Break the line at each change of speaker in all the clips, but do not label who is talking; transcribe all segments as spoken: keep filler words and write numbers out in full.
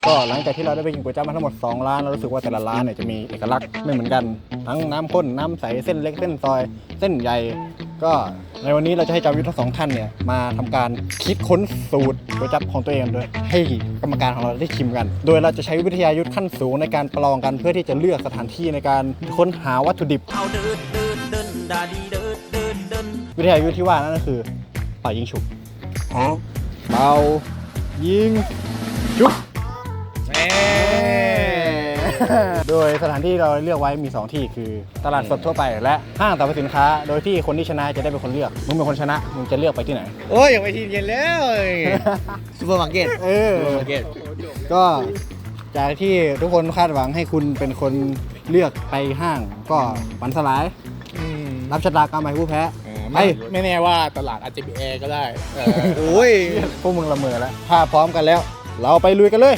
ก็หลังจากที่เราได้ไปกินก๋วยจั๊บมาทั้งหมดสองร้านเรารู้สึกว่าแต่ละร้านเนี่ยจะมีเอกลักษณ์ไม่เหมือนกันทั้งน้ำข้นน้ำใสเส้นเล็กเส้นซอยเส้นใหญ่ก็ในวันนี้เราจะให้จอมยุทธทั้งสองท่านเนี่ยมาทำการคิดค้นสูตรก๋วยจั๊บของตัวเองโดยให้กรรมการของเราได้ชิมกัน โดยเราจะใช้วิทยายุทธขั้นสูงในการประลองกันเพื่อที่จะเลือกสถานที่ในการค้นหาวัตถุดิบวิทยายุทธที่ว่านั่นก็คือเป่ายิงฉุบเป่ายิงฉุบโดยสถานที่เราเลือกไว้มีสองที่คือตลาดสดทั่วไปและห้างสรรพสินค้าโดยที่คนที่ชนะจะได้เป็นคนเลือกมึงเป็นคนชนะมึงจะเลือกไปที่ไหน
โอ้ยอย่างไปทีเย็นแล้วซูเปอร์มาร์เก็ต
เออ
ซูเปอร์มาร์เก็ต
ก็จากที่ทุกคนคาดหวังให้คุณเป็นคนเลือกไปห้างก็ฝันสลายรับชะตากรรมไปผู้แพ้
ไม่ไม่แน่ว่าตลาดอาจจะมีแอร์ก็ได้
โอ้ยพวกมึงละเมอแล้วถ้าพร้อมกันแล้วเราไปลุยกันเลย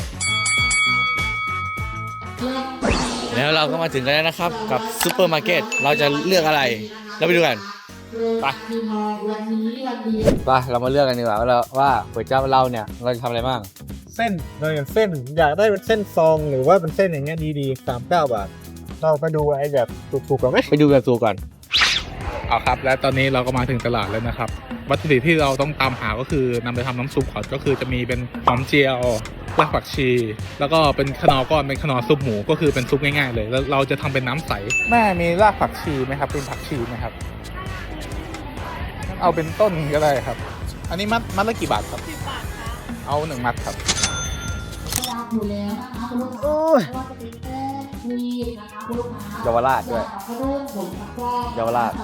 แล้วเราก็มาถึงกันแล้วนะครับกับซูเปอร์มาร์เก็ตเราจะเลือกอะไรเราไปดูกันไปไปเรามาเลือกกันดีกว่าว่าเราว่าก๋วยจั๊บเราเนี่ยเราจะทำอะไรบ้าง
เส้นเราอย่างเส้นอยากได้เป็นเส้นซองหรือว่าเป็นเส้นอย่างเงี้ยดีๆสามสิบเก้าบาทเราไปดูไอ้แบบถูกๆก่อนไหม
ไปดูแบบถูกก่อน
เอาครับและตอนนี้เราก็มาถึงตลาดแล้วนะครับวัตถุดิบที่เราต้องตามหาก็คือนำไปทำน้ำซุปก่อนก็คือจะมีเป็นหอมเจียวรากผักชีแล้วก็เป็นขนอก้อนเป็นขนอซุปหมูก็คือเป็นซุปง่ายๆเลยแล้วเราจะทำเป็นน้ำใสแม่มีรากผักชีไหมครับเป็นผักชีไหมครับเอาเป็นต้นก็ได้ครับอันนี้มัดมัดละกี่บาทครับเอาหนึ่งมัดครับ
โอ้ย
เยาวราชด้วยเยาวราช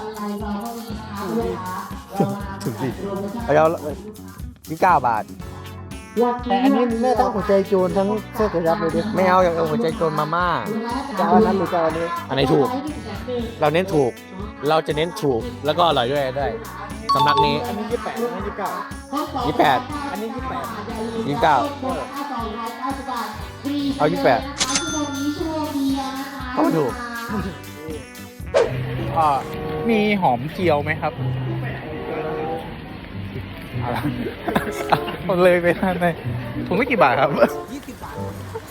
ถึงสิเอาเยาวที่เก้าบาท
แต่อันนี้แม่ต้องหัวใจโจรทั้งเสื้อกระยับเลยดิ
ไม่เอาอย่างเอาหัวใจโจรมาม่า
จะเอาอันนั้นหรือจะเอาอันนี้
อันไหนถูกเราเน้นถูกเราจะเน้นถูกแล้วก็อร่อยด้วยได้สำหรับนี้
อันนี้ยี่สิบแปดอันนี้ยี่สิบเก้า
ยี่สิบแปด
อันนี้ยี่สิบแปด
ยี่สิบเก้าเอายี่สิบแปดเขาถูก
อ่ามีหอมเจียวไหมครับอะไรผมเลยไปทานในถุงไม่กี่บาทครับยี่สิบบาท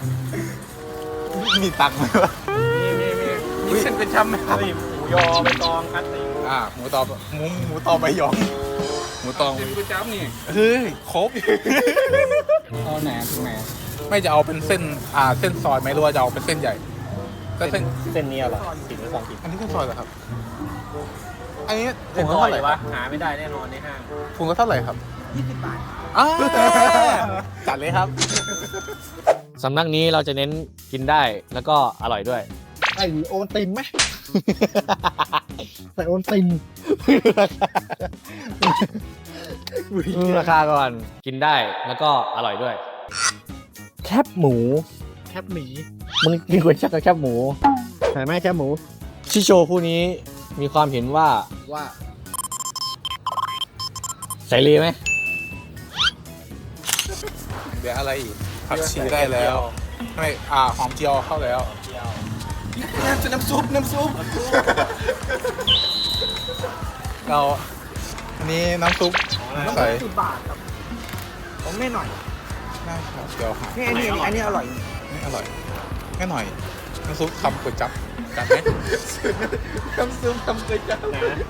มีตังค์ไหมวะมีมีมีมีเส้นเป็นช้ำไหมครับหมูยอใบตองคัตติอ่าหมูตอหมูหมูตอใบยองหมูตองเป็นจ้ำนี่เฮ้ยครบเอาไหนไหนไม่จะเอาเป็นเส้นอ่าเส้นซอยไหมหรือว่าจะเอาเป็นเส้นใหญ่ก็เส้น
เส้นนี้เหรอสิบหรือสองสิบ
อันนี้เส้นซอยเหรอครับอันนี้
ถุงเท่าไหร่วะหาไม่ได้แน่นอนในห้าง
ถุงก็เท่าไหร่ครับยี่สิบบาทจัดเลยครับ
สำนักนี้เราจะเน้นกินได้แล้วก็อร่อยด้วย
ไอโอนติมไหมใส่โอนติม
ราคาก่อนกินได้แล้วก็อร่อยด้วยแคบหมู
แคบหมี
มึงกินก๋วยจั๊บกับแคบหมู
ใช่ไหมแคบหมู
ชิโชผู้นี้มีความเห็นว่า
ว่า
ใส่เลยไหม
เดี๋ยวอะไรอีกผักชีได้แล้วไม่อ่าหอมเจียวเข้าแล้วน้ำน้ำซุปน้ำซุปเราอันนี้น้ำซุปใส่
สิบบาทครับผมไม่หน่อย
ได้ครับเดี๋ยวหา
นี่อันนี้อันนี้อร่อย
นี่อร่อยแค่หน่อยน้ำซุปทำก๋วยจั๊บจัดไหมน้ำซุปทำก๋วยจั๊บ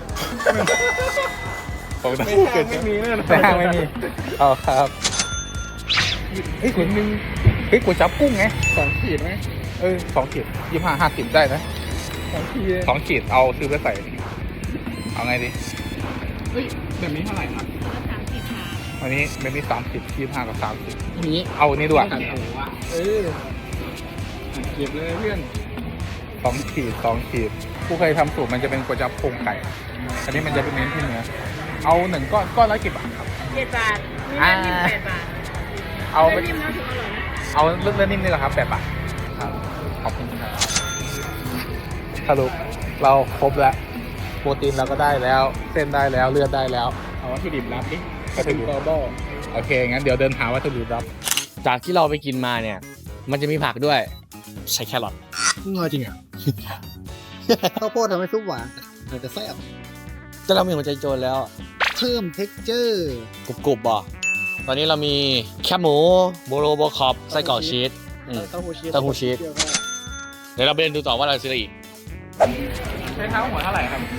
ของน้ำก๋วยจั๊บไม่มีแน่นอนไม่มีเอาครับเฮ้ยก๋วยนึงเฮ้ยก๋วยจั๊บกุ้งไงสองขีดไหมเออสองขีดยี่ห้าห้าสิบได้นะสองขีดสองขีดเอาซื้อไปใส่เอาไงดีเฮ้ยแบบนี้เท่าไหร่ครับอันนี้แบบนี้สามสิบยี่ห้ากับสามสิบนี้เอาอันนี้ด้วยเออเก็บเลยเพื่อนสองขีดสองขีดผู้เคยทำสูตรมันจะเป็นก๋วยจั๊บโครงไก่อันนี้มันจะเป็นเน้นที่เนื้อเอาหนึ่งก้อนก้อนละกี่บาทครับ
เจ็ดบาทนี่นิ่มแปดบาท
เอาเนิ่มนะถึงอร่อยนะเอาเลือดนิ่มนี่แหละครับแปดบาทครับขอบคุณครับสรุปเราครบแล้วโปรตีนเราก็ได้แล้วเส้นได้แล้วเลือดได้แล้วเอาวัตถุดิบลับดิวัตถุดิบโบโอเคงั้นเดี๋ยวเดินหาวัตถุดิบลับ
จากที่เราไปกินมาเนี่ยมันจะมีผักด้วยใช้แครอท
ง่ายจริงอ่ะข้าวโพดทำให้ซุปหวานอาจจะแซ่บ
จะเรามีหัวใจโจรแล้ว
เพิ่มเท็กเจอร์
กรุบๆบ่ตอนนี้เรามีแคบหมูโบโรโบคอปไส้กรอกชีสอืม
เต้าหู้ชีส
เต้าหู้ชีส เดี๋ยวเราไปเดินดูต่อว่าเราซื้ออะไรอีก
ใช้เท้าหัวเท่าไหร่ครับ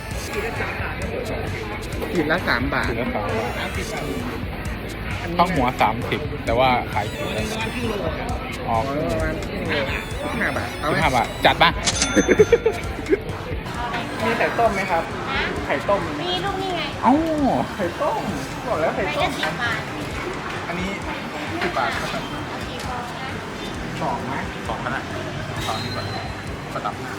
ขีดละสามบาทขีดละสามบาทข้าวหัวสามสิบแต่ว่าขายขีดละอ๋อประมาณห้าบาทห้าบาทจัดป่ะมีไข่ต้มไหมครับไข่ต้ม
มีลูกนี่ไง
เอ้าไข่ต้มบอกแล้วไข่
ไป
ต้
ละ
ม
สิบบาท
อันนี้สิบบาทครับ
กี่ฟองนะ
สองไหมสองขนาดสองดีกว่าประดับหน้า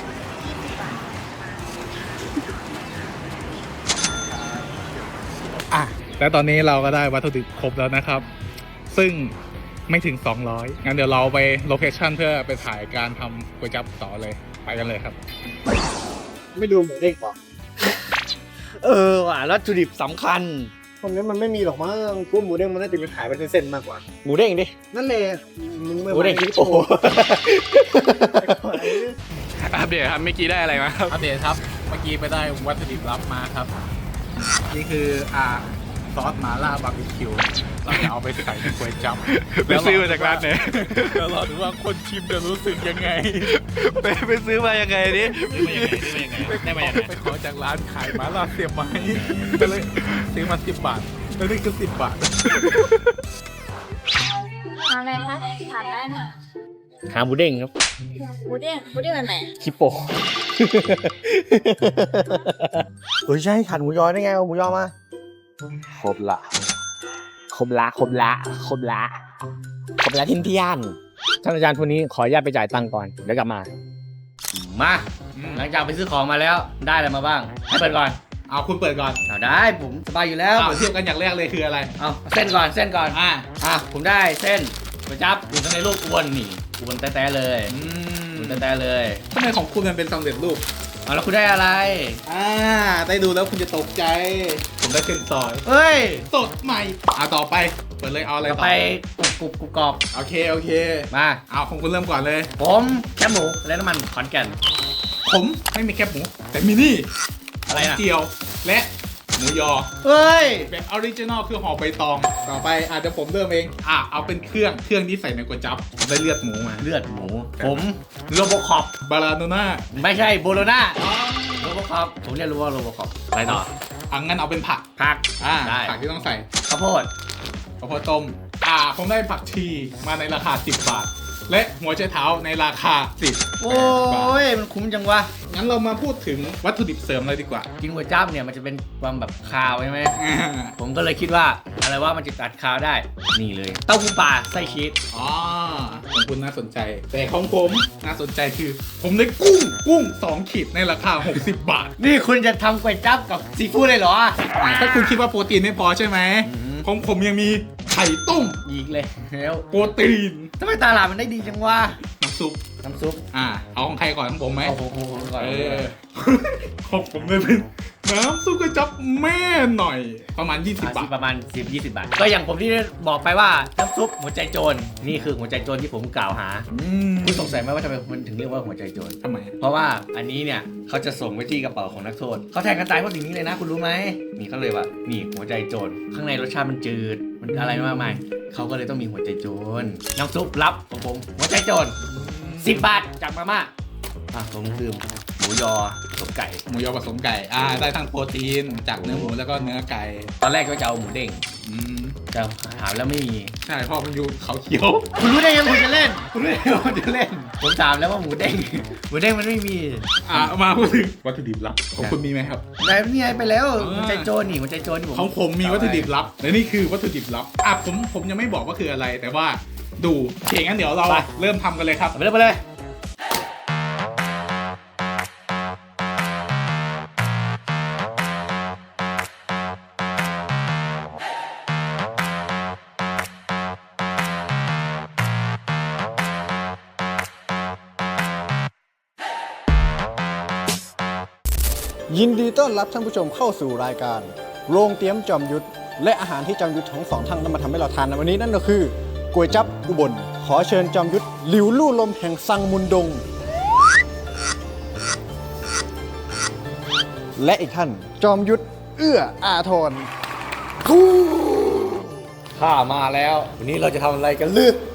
อ่ะแล้วตอนนี้เราก็ได้วัตถุดิบครบแล้วนะครับ ซึ่งไม่ถึงสองร้อยงั้นเดี๋ยวเราไปโลเคชั่นเพื่อไปถ่ายการทำก๋วยจั๊บต่อเลยไปกันเลยครับ
ไม่ดูหมูเด้งป่ะ
เออว่ะวัตถุดิบสำคัญ
ตรงนี้มันไม่มีหรอกมั้งกูหมูเด้งมันน่าจะเป็นขายเป็นเส้นๆมากกว่า
หมูเด้งดิ
นั่นเลยมึงไม่
หมูเด้ง
ที่
โอ้โห
อัปเดตครับเมื่อกี้ได้อะไรมาครับอัปเดตครับเมื่อกี้ไปได้วัตถุดิบลับมาครับ นี่คืออ่าซอสหม่าล่าบาร์บีคิวเราจะเอาไปใส่ในก๋วยจั๊บไปซื้อมาจากร้านไหนแล้วรอดูว่าคนชิมจะรู้สึกยังไง
ไปไปซื้อมายังไงดิ
ได้มายังไงไปขอจากร้านขายหม่าล่าเสียบไม้ก็เลยซื้อมาสิบบาทแล้วนี่คือสิบบาท
ทานอะไรคะทานได้นะ
หาหมูเด้งครับ
หมูเด้งหมูเด้งอันไหน
คิปโป
เฮ้ยใช่ขันหมูยอได้ไงเอาหมูยอมา
ครบละครบละครบละครบละครบละทินเทียนท่านอาจารย์คนนี้ขออนุญาตไปจ่ายตังค์ก่อนเดี๋ยวกลับมา มาหลังจากไปซื้อของมาแล้วได้อะไรมาบ้างให้เปิดก่อน
เอาคุณเปิดก่อน
เอาได้ผมสบายอยู่แล้ว
เอาเทียบกันอย่างแรกเลยคืออะไร
เอาเส้นก่อนเส้นก่อน
อ่า
อ่ะผมได้เส้นก๋วยจั๊บอยู่ข้างในรูปอ้วนนี่อ้วนแต้ๆเลย
อืม
อ้วนแต้ๆเลย
ทำไมของคุณมันเป็นสำเร็จรูป
เอาแล้วคุณได้อะไร
อ่าได้ดูแล้วคุณจะตกใจ ผมได้เส้นซอย
เฮ้ย
สดใหม่เอาต่อไปเปิดเลยเอาอะไร
ต่อ
ต่อ
ไปกรุบกรุบกรุบกรอบ
โอเคโอเค
มา
เอาของคุณเริ่มก่อนเลย
ผมแคบหมูและน้ำมันขอนแก่น
ผมไม่มีแคบหมู แต่มีนี่
อะไรน่ะ
เจียวและหมูยอ
เฮ้ย
แบบออริจินอลคือห่อใบตอง ต่อไปอาจจะเดี๋ยวผมเริ่มเองอ่ะเอาเป็นเครื่องเครื่องที่ใส่ในก๋วยจั๊บผมได้เลือดหมูมา
เลือดหมู ผมโรโบคอป
บาราโนน่า
ไม่ใช่โบโลนาโรโบคอปผมเรียกรู้ว่าโรโบคอปอะไรต่อ
อ่ะงั้นเอาเป็นผัก
ผัก
อ่า
ได้
ผักที่ต้องใส่
ข้าวโพด
ข้าวโพดต้มอ่าผมได้ผักชีมาในราคาสิบบาท และหัวไชเท้าในราคาสิบ
โอ้ยมันคุ้มจังวะ
งั้นเรามาพูดถึงวัตถุดิบเสริมเลยดีกว่า
กินก๋วยจั๊บเนี่ยมันจะเป็นความแบบคาวใช่ไหม
อ่า
ผมก็เลยคิดว่าอะไรว่ามันจะตัดคาวได้ นี่เลย เต้าหู้ปลาไส้ชีส
อ๋อของคุณน่าสนใจ แต่ของผมน่าสนใจคือ ผมได้กุ้งกุ้งสองขีดในราคาหกสิบบาท
นี่คุณจะทำก๋วยจั๊บกับซีฟู้ดเลยเหรอ
อ่าถ้าคุณคิดว่าโปรตีนไม่พอใช่ไหม
อืม
ของผมยังมีไข่ต้ม
อีกเลยแล้ว
โปรตีน
ทำไมตลาดมันได้ดีจังวะ
น้ำซุป
น้ำซุป
อ่า เอาของใครก่อนของผมไหม
เอาโอ้โหก่อน
เออ ของผมเลยเป็นน้ำซุปกระจับแม่หน่อย ประมาณ ยี่สิบ
อ่ะ
บาท
ประมาณสิบ ยี่สิบบาท ก็อย่างผมที่ได้บอกไปว่าน้ำซุปหัวใจโจร นี่คือหัวใจโจรที่ผมกล่าวหา
อืม
คุณสงสัยไหมว่าทำไมมันถึงเรียกว่าหัวใจโจร
ทำไม
เพราะว่าอันนี้เนี่ยเขาจะส่งไปที่กระเป๋าของนักโทษเขาแทงกันตายเพราะสิ่งนี้เลยนะคุณรู้ไหมนี่เขาเลยว่านี่หัวใจโจรข้างในรสชาติมันจืดมันอะไรมากมายเขาก็เลยต้องมีหัวใจโจรน้ำซุปลับของผมหัวใจโจรสิบบาทจากมาม่าอ่ะผมลืมหมูยอผสมไก่
หมูยอผสมไก่ อ่า ได้ทั้งโปรตีนจากเนื้อหมูแล้วก็เนื้อไก่
ตอนแรกก็จะเอาหมูเด้ง
อืม
แต่หาแล้วไม่มี
ใช่เพราะมันอยู่เขาเขียว
คุณรู้ได้ยังคุณจะเล่นคุณรู้ได้ยังคุณจะเล่นผมถามแล้วว่าหมูเด้งหมูเด้งมันไม่มี
อ่ามาพูดถึงวัตถุดิบลับของคุณมีไหมครับ
ได้นี่ไงไปแล้ว
อ่า
หัวใจโจรนี่หัวใจโจรนี่ผม
ของผมมีวัตถุดิบลับและนี่คือวัตถุดิบลับ อ่ะผมผมยังไม่บอกว่าคืออะไร แต่ว่าดูโอเคงั้นเดี๋ยวเราเริ่มทำกันเลยครับ
เอาไปเลยไปเลย
ยินดีต้อนรับท่านผู้ชมเข้าสู่รายการ โรงเตรียมจอมยุทธและอาหารที่จอมยุทธทั้งสองท่านนำมาทำให้เราทานในวันนี้นั่นก็คือก๋วยจั๊บอุบลขอเชิญจอมยุทธหลิวลู่ลมแห่งซังมุนดง และอีกท่านจอมยุทธเอื้ออาทร
ข้ามาแล้ววันนี้เราจะทำอะไรกันลือ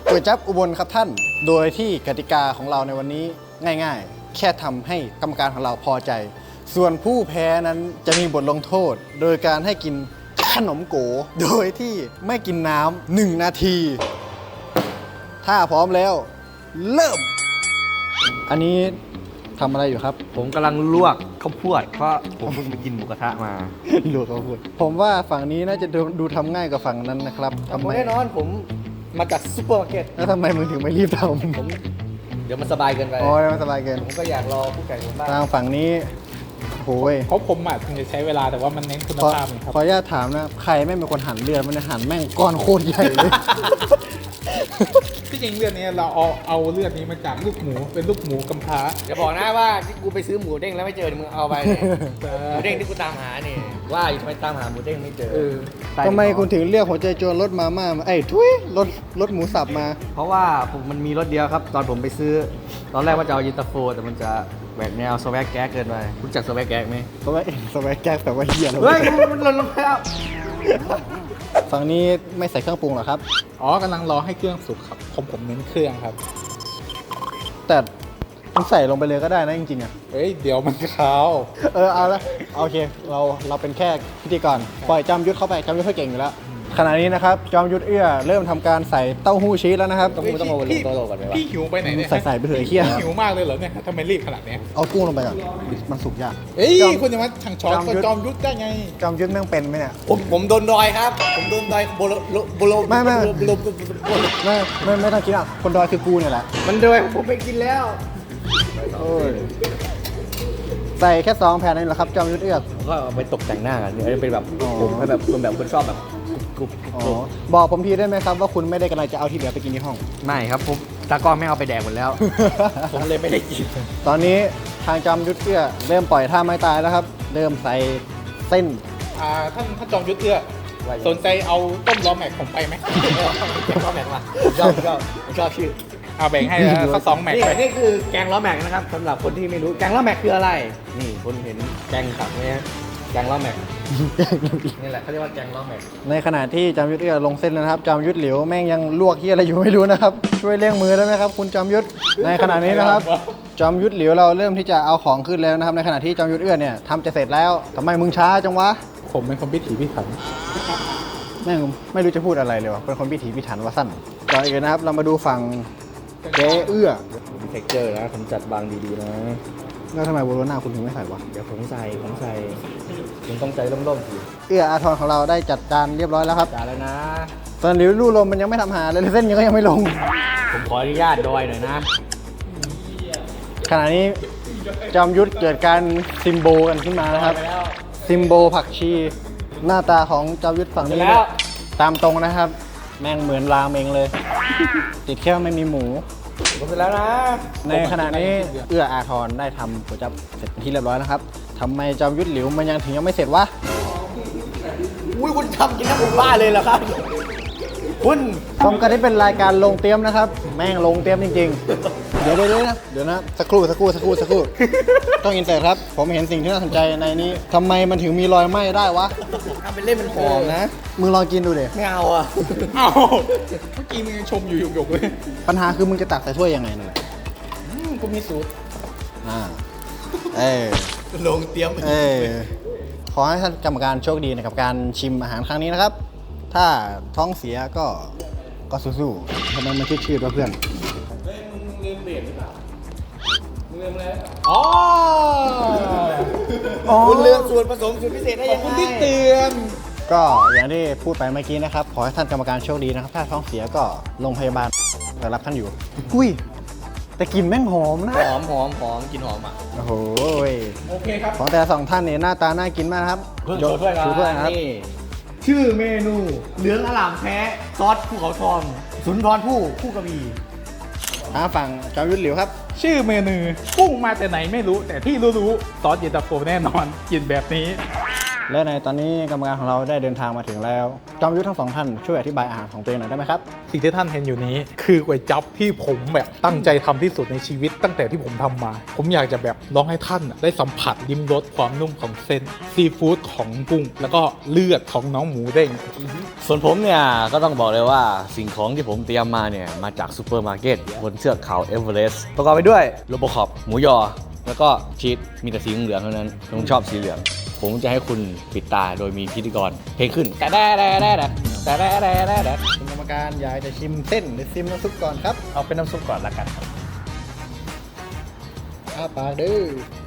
ก๋วยจั๊บอุบลครับท่าน โดยที่กติกาของเราในวันนี้ง่ายๆ แค่ทำให้กรรมการของเราพอใจ ส่วนผู้แพ้นั้นจะมีบทลงโทษ โดยการให้กินขนมโก โดยที่ไม่กินน้ำหนึ่งนาที ถ้าพร้อมแล้ว เริ่ม อันนี้ทำอะไรอยู่ครับ
ผมกำลังลวกข้าวโพดเพราะผมเพิ่งไปกินหมูกระทะมา
ดูเขาพูดผมว่าฝั่งนี้น่าจะดูดูทำง่ายกว่าฝั่งนั้นนะครับทำไม
แน่นอนผมมาจากซูเปอร์มาร์เก็ต
แล้วทำไมมึงถึงไม่รีบท
ผม เดี๋ยวมันสบายเกินไป
ำอ๋อมันสบายเกิน
ผมก็อยากรอผู้แข่งผมบ้าง
ทางฝั่งนี้โอ้ย
เขาผมอ่ะถึงจะใช้เวลาแต่ว่ามันเน้นคุณ
ขอ
ภาพไงครับ
ขออนุญาตถามนะ ใครไม่เป็นคนหั่นเลือดมันจะหั่นแม่งก้อนโคตรใหญ่เลย
ที่จริงเรื่องนี้เราเอาเอาเลือดนี้มาจากลูกหมูเป็นลูกหมูกำพร้า
อย่าบอกนะว่าที่กูไปซื้อหมูเด้งแล้วไม่เจอมึงเอาไปเนี่ยหมูเด้งที่กูตามหาเนี่ยว่าอยู่ทำไมตามหาหมูเด้งไม่เจอ
เออ
ทำไมคุณถึงเรียกหัวใจโจรรถมาม่ามาไอ้ยทุยรถรถหมูสับมา
เพราะว่าผมมันมีรถเดียวครับ ตอนผมไปซื้อ ตอนแรกว่าจะเอาเยินตาโฟแต่มันจะแหวกแนวสแวกแก๊กเกินไปรู้จักสแวกแก๊กไหม
สวัสดีสวัสดีแก๊กแต่ว่าเฮียแล้ว
เฮ้ยมันหล่นลงไปแล้ว
ฝั่งนี้ไม่ใส่เครื่องปรุงหรอครับ
อ๋อกำลังรอให้เครื่องสุกครับผมผมเน้นเครื่องครับ
แต่มันใส่ลงไปเลยก็ได้นะจริงๆอ่ะ
เฮ้ยเดี๋ยวมันคาว
เออเอาละโอเคเราเราเป็นแค่พิธีกรปล่อยจอมยุทธเข้าไปจอมยุทธเขาเก่งอยู่แล้วขณะนี้นะครับจอมยุทธเอื้อเริ่มทำการใส่เต้าหู้ชีสแล้วนะครับ
ต้องต้องเอาลงโต๊ะก่อนไหมวะ
พี่หิวไปไหนเนี่ย
ใส่ใส่ไปเถอะไอ้เหี้ย
หิวมากเลยเหรอเนี่ยทำไมรีบขนาดเนี้ย
เอากุ้งลงไปก่อนมันสุกยาก
เอ้ย
จอม
คุณจะมาทางช้อน
จอมยุทธ
จอมยุทธได้ไง
จอมยุทธแม่งเป็นไหมเนี่ย
ผมผมโดนดอยครับ ผมโดนดอยโบโลโบโล
ไม่ไม่
โบโลโบโล
ไม่ไม่ไม่ต้องคิดอ่ะคนดอยคือกูเนี่ยแหละ
มันดอยผมไปกินแล้ว
โอ้ยใส่แค่สองแผ่นนี่แหละครับจอมยุทธเอื้อ
ผมก็เอาไปตกแต่งหน้ากันเนี่ยเป็นแบบ
อ๋อ
ผมให้แบบคนแบบคนชอบแบบกรุบกรุบ
อ๋
กรุ
อบ บอกผมทีได้ไหมครับว่าคุณไม่ได้กำลังจะเอาที่เหลือไปกินที่ห้อง
ไม่ครับผมตากล้องไม่เอาไปแดกหมดแล้ว ผมเลยไม่ได้กิน
ตอนนี้ทางจอมยุทธเอื้อเริ่มปล่อยท่าไม้ตายแล้วครับ เริ่มใส่เส้น
อ่าท่านท่านจอมยุทธเอื้อสนใจเอาต้มล้อแม็กผมไปไหม
แกงล้อแม็กมาผมชอบผมชอบผมชอบชื่อ
เอาแบ่งให้แล้วสักสองแม็ก
นี่
ไป
นี่คือแกงล้อแม็กนะครับสำหรับคนที่ไม่รู้แกงล้อแม็กคืออะไร นี่คนเห็นแกงขับไหมฮะแกงล้อแม็กนี่แหละเขาเรียกว่าแกงล้อแม็ก
ในขณะที่จอมยุทธเอื้อลงเส้นแล้วนะครับจอมยุทธเหลียวแม่งยังลวกเฮียอะไรอยู่ไม่รู้นะครับ ช่วยเลี้ยงมือได้ไหมครับ คุณจอมยุทธในขณะนี้นะครับ จอมยุทธเหลียวเราเริ่มที่จะเอาของขึ้นแล้วนะครับ ในขณะที่จอมยุทธเอื้อเนี่ยทำจะเสร็จแล้วทำไมมึงช้าจังวะ
ผมเป็นคนพิถีพิถัน
แม่งไม่รู้จะพูดอะไรเลยวะเป็นคนพิถีพิถันว่าสั้นก่อนอื่นนะครับ เรามาดูฝั่งเจ๊เอื้อ
มีเท็กเจอร์นะผมจัดบางดีๆนะ
แล้วทำไมโบโลน่าคุณถึงไม่ใส่วะ
เดี๋ยวผมใส่ผมใส่คุณต้องใจร่มๆสิ
เอื้ออาทรของเราได้จัดจานเรียบร้อยแล้วครับ
จ่ายแล้วนะ
ส่วนหลิวลู่ลมมันยังไม่ทำหาเลยเส้นยังก็ยังไม่ลง
ผมขออนุญาตดอยหน่อยนะ
ขณะนี้จอมยุทธเกิดการซิมโบกันขึ้นมานะครับ
ไปแล้ว
ซิมโบผักชี หน้าตาของจอมยุทธฝั่งนี้
เสร็จแล้ว
ตามตรงนะครับ แม่งเหมือนรามเองเลย ติดแค่ไม่มีหมู
ผมเสร็จแล้วนะ
ในขณะนี้เอื้ออาทรได้ทำก๋วยจั๊บเสร็จเป็นที่เรียบร้อยแล้วครับทำไมจอมยุทธหลิวมันยังถึงยังไม่เสร็จวะ
อุ้ยคุณทำกินน้ำผมบ้าเลยเหรอครับคุณ
ชมกันที่เป็นรายการลงเตรียมนะครับ แม่งลงเตรียมจริงๆ เดี๋ยวเดี๋ยวเดี๋ยวนะเดี๋ยวนะสักครู่สักครู่สักครู่สักครู่ ต้องอินเสิร์ตครับ ผมเห็นสิ่งที่น่าสนใจในนี้ทำไมมันถึงมีรอยไหม้ได้วะ
ทำเป็นเล่นเป็นหอมนะ
มึงลองกินดูดิ
ไม่เอาอ่ะ
เอ้าเมื่อกี้มึงยังชมอยู่หยกๆเลย
ปัญหาคือมึงจะตักใส่ถ้วยยังไงนั่นแหละ
อืมกูมีสูตร
อ่าเออ
ลงเตรียม
เออขอให้ท่านกรรมการโชคดีนะครับการชิมอาหารครั้งนี้นะครับ ถ้าท้องเสียก็ก็สู้ๆทำไมมันชืดๆวะเพื่อน
อ๋อ
คุณเลือกส่วนผสมสูตรพิเศษได้
ขอ
ยั
บ
ง
คุณ
ไง
ที่เตือน
ก็อย่างที่พูดไปเมื่อกี้นะครับ ขอให้ท่านกรรมการโชคดีนะครับ ถ้าท้องเสียก็โรงพยาบาลแต่รับท่านอยู่ อุ้ย แต่กลิ่นแม่งหอมนะ
หอมหอมหอมกินหอมอ่ะ
โอ้โห
โอเคครับ
ของแต่ละสองท่านเนี่ยหน้าตาน่ากินมากนะครับ
โชว์ด้วย
ชูด้วยนะครับ
นี่ชื่อเมนูเหลืองอลามแท้ซอสภูเขาทองสุนทรภู่คู่กระบี่
ทางฝั่งจอมยุทธหลิวครับ
ชื่อเมนูกุ้งมาแต่ไหนไม่รู้ แต่ที่รู้ๆซอสเย็นตาโฟแน่นอน กินแบบนี้
และในตอนนี้กรรมการของเราได้เดินทางมาถึงแล้วจอมยุทธทั้งสองท่านช่วยอธิบายอาหารของตัวเองหน่อยได้ไหมครับ
สิ่งที่ท่านเห็นอยู่นี้คือก๋วยจั๊บที่ผมแบบตั้งใจทำที่สุดในชีวิตตั้งแต่ที่ผมทำมา ผมอยากจะแบบลองให้ท่านได้สัมผัสลิ้มรสความนุ่มของเส้นซีฟู้ดของกุ้งแล้วก็เลือดของน้องหมูเด้ง
ส่วนผมเนี่ยก็ต้องบอกเลยว่าสิ่งของที่ผมเตรียมมาเนี่ยมาจากซูเปอร์มาร์เก็ตบนเทือกเขาเอเวอเรสต์ประกอบไปด้วยโลโบคอปหมูยอ แล้วก็ชีสมีแต่สีเหลืองเท่านั้นผมชอบสีเหลือง ผมจะให้คุณปิดตาโดยมีพิธีกรเพลงขึ้นแต่แด่แด่แด่แต่แด่แด่แด่แด่
คุณกรรมการอยากจะชิมเส้นหรือชิมน้ำซุปก่อนครับ
เอาเป็นน้ำซุปก่อนละกันครับ
อ้าปากดื้อ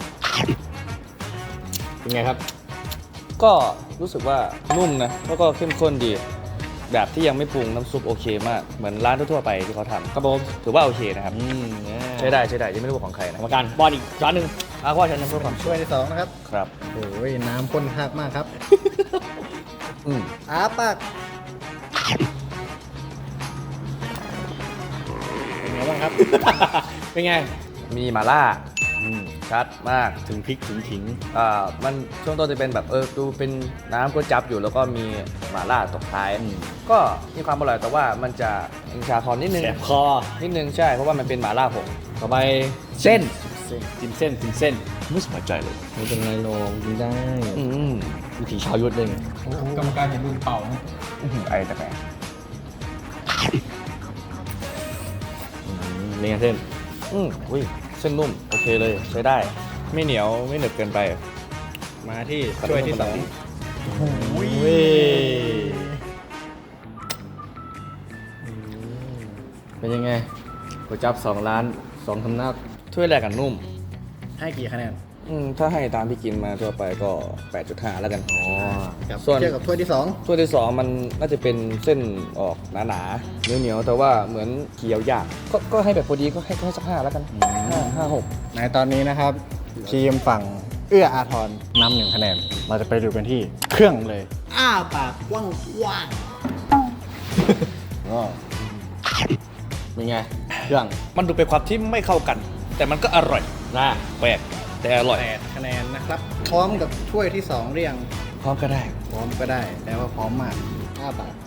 เป็นไงครับ
ก็รู้สึกว่านุ่มนะแล้วก็เข้มข้นดี แบบที่ยังไม่ปรุงน้ำซุปโอเคมากเหมือนร้านทั่วๆไปที่เขาทำครับผมถือว่าโอเคนะครับ
อืม
ใช้ได้ใช้ได้ยังไม่รู้ว่าของใคร
กร
นะ
รมการป้อนอีกช้อนหนึ่ง
อาว่าฉันน้ำเพื่อความ
ช่วยที่สองนะครับ
ครับ
โอ้ยน้ำข้นมากมากครับ
อืม
อ้าปากเป็นไงบ้างครับ
เป็นไง
มีหม่าล่า
อืม
ชัดมาก
ถึงพริกถึงขิง
อ่ามันช่วงต้นจะเป็นแบบเออดูเป็นน้ำก๋วยจั๊บอยู่แล้วก็มีหม่าล่าตกท้าย
อืม
ก็มีความอร่อยแต่ว่ามันจะอิงชาคอนนิดนึง
แสบคอ
นิดนึงใช่เพราะว่ามันเป็นหม่าล่าผง
ต่อไปเส้นกินเส้นกินเส้นไม่สบายใจเลย
ไม่เป็นไรลงกินได้
อืมวิถีชาวยุทธเลยไง
กรรมการเห็นมือเป่าไหม
ไอ้แต่แป
อืมเป็นไงเส้น
อืมอุ้ยเส้นนุ่มโอเคเลยใช้ได้ ไม่เหนียวไม่หนึบเกินไป
มาที่ช่วยที่สอง
เป็นยังไงก๋วยจั๊บสองร้านสองสำนัก
ถ้วยแรกกันนุ่ม
ให้กี่คะแนน
อืมถ้าให้ตามที่กินมาทั่วไปก็ แปดจุดห้า แล้วกัน
อ๋อ
กับ
ส่วน
เทียบกับถ้วยที่สอง
ถ้วยที่สองมันน่าจะเป็นเส้นออกหนาๆเหนียวๆแต่ว่าเหมือนเคี้ยวยากก็ก็ให้แบบพอดีก็ให้ก็ให้สักห้าแล้วกันห้าห้าหก
ในตอนนี้นะครับทีมฝั่งเอื้ออาทรนำหนึ่งคะแนน เราจะไปดูกันที่เครื่องเลย อ้าปากกว้างว่าง
เป็นไงเครื่อง
มันดูเป็นความที่ไม่เข้ากัน แต่มันก็อร่อย
นะ
แปลกแต่อร่อย
แปดคะแนนนะครับ พร้อมกับถ้วยที่สองเรียง
พร้อมก็ได้
พร้อมก็ได้แต่ว่าพร้อมมากอ้าปาก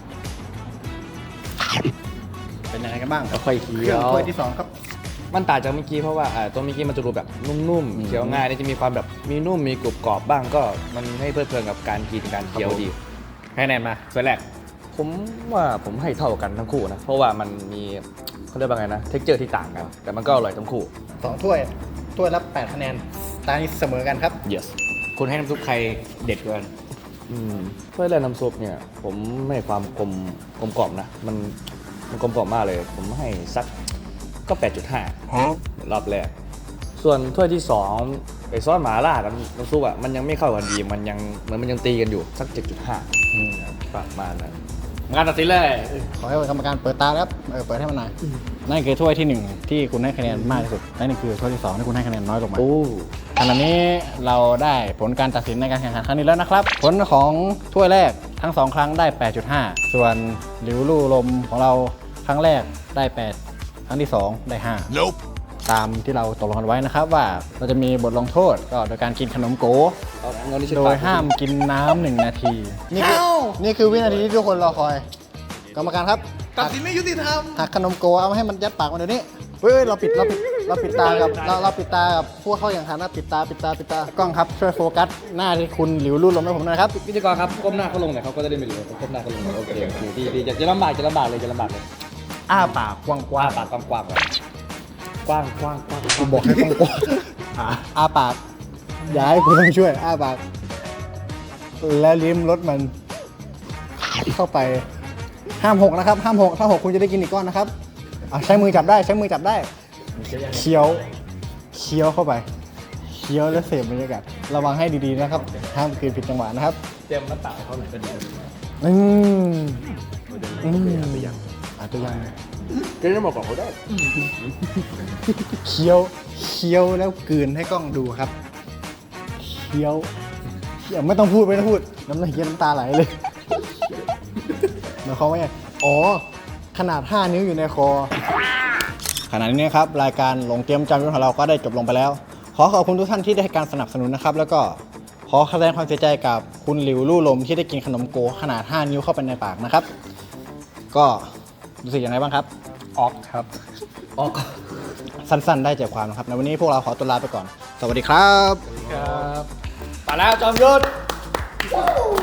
เป็นยังไงกันบ้าง
ค่อยๆ
เค
เคี้
รื่
ย
อง
ว
ถ้วยที่สองครับ
มันต่างจากเมื่อกี้เพราะว่าอ่าตัวเมื่อกี้มันจะดูแบบนุ่ม
อืม
ๆเคี้ยวง่ายนี่จะมีความแบบมีนุ่มมีกรุบกรอบบ้างก็มันให้เพลิดเพลินกับการกินการเคี้ยวดี
ให้คะแนนมาส่วนแรก
ผมว่าผมให้เท่ากันทั้งคู่นะ เพราะว่ามันมีเขาเรียกว่าไงนะเท็กเจอร์ที่ต่างกัน แต่มันก็อร่อยทั้งคู่
สองถ้วย ถ้วยละแปดคะแนน ตานี้เสมอกันครับ
yes คุณให้น้ำซุปใครเด็ดกว่ากัน
อืมถ้วยแรกน้ำซุปเนี่ย ผมให้ความกลมกลมกล่อมนะ มันมันกลมกล่อมมากเลย ผมให้สักก็ แปดจุดห้า รอบแรก ส่วนถ้วยที่สองไอซอสหม่าล่ากับน้ำซุปอ่ะมันยังไม่เข้ากันดี มันยังเหมือนมันยังตีกันอยู่สัก เจ็ดจุดห้า ประมาณนั้น
งานตัดสินเลย
ขอให้กรรมการเปิดตาแล้วเออเปิดให้มันหน่อยนั่นคือถ้วยที่หนึ่งที่คุณให้คะแนนมากที่สุดและนี่คือถ้วยที่สองที่คุณให้คะแนนน้อยลงมา
โอ้
ขณะนี้เราได้ผลการตัดสินในการแข่งขันครั้งนี้แล้วนะครับ ผลของถ้วยแรกทั้งสองครั้งได้ แปดจุดห้า ส่วนหลิวลู่ลมของเราครั้งแรกได้ แปด ครั้งที่สองได้ ห้า
nope
ตามที่เราตกลงกันไว้นะครับว่าเราจะมีบทลงโทษก็โดยการกินขนมโก
เอาเงินที่ใช้
โด
ปาย ก
ห้ามกินน้ำหนึ่งนาที นี่คือนี่คือวินาทีที่ทุกคนรอคอย กรรมการครับตัดสินไม่ยุติธรรมหักขนมโกเอามาให้มันยัดปากมันเดี๋ยวนี้เฮ้ยเราปิดเราปิดเราปิดตากับเราเราปิดตากับผู้เข้าแข่งขันนะปิดตาปิดตาปิดตากล้องครับช่วยโฟกัสหน้าที่คุณหลิวลู่ลมให้ผมหน่อยครับ
พิธีกรครับก้มหน้าเขาลงหน่อยเขาก็จะได้ไม่รู้ก้มหน้าเขาลงหน่อยโอเคโอเคดีดีจะจะลำบากจะลำบากเลยจะลำบากเลย
อ้าปากกว้าง
กว้างปากกว้างๆไว้กว้างกว้างกว้าง
ๆกูบอกให้กว้างๆอ่าอ้าปากอย่าให้กูต้องช่วยอ้าปากและลิ้มรสมันเข้าไปห้ามหกนะครับห้ามหกถ้าหกคุณจะได้กินอีกก้อนนะครับอ่ะใช้มือจับได้ใช้มือจับได้เคี้ยวเคี้ยวเข้าไปเคี้ยวแล้วเสพบรรยากาศระวังให้ดีๆนะครับห้ามกินผิดจังหวะนะครับ
เตรียมน้ำเปล่าให้เขาหน่อยก็ดี
อืมอืมอาจจะยัง
ก็จะบอกก่อนเขาได้
เคี้ยวเคี้ยวแล้วกลืนให้กล้องดูครับเคี้ยวเคี้ยวไม่ต้องพูดไม่ต้องพูดน้ำลายเคี้ยวน้ำตาไหลเลยหมายความว่าไงอ๋อขนาดห้านิ้วอยู่ในคอขณะนี้นะครับรายการหลงเตรียมจำยุทธของเราก็ได้จบลงไปแล้ว ขอขอบคุณทุกท่านที่ได้ให้การสนับสนุนนะครับ แล้วก็ขขอแสดงความเสียใจกับคุณหลิวลู่ลมที่ได้กินขนมโกขนาดห้านิ้วเข้าไปในปากนะครับ ก็รู้สึกยังไงบ้างครับ
ออกครับ
ออก
สั้นๆ ได้ใจความนะครับในวันนี้พวกเราขอตัวลาไปก่อน สวัสดีครับ
ครับไปแล้วจอมยุทธ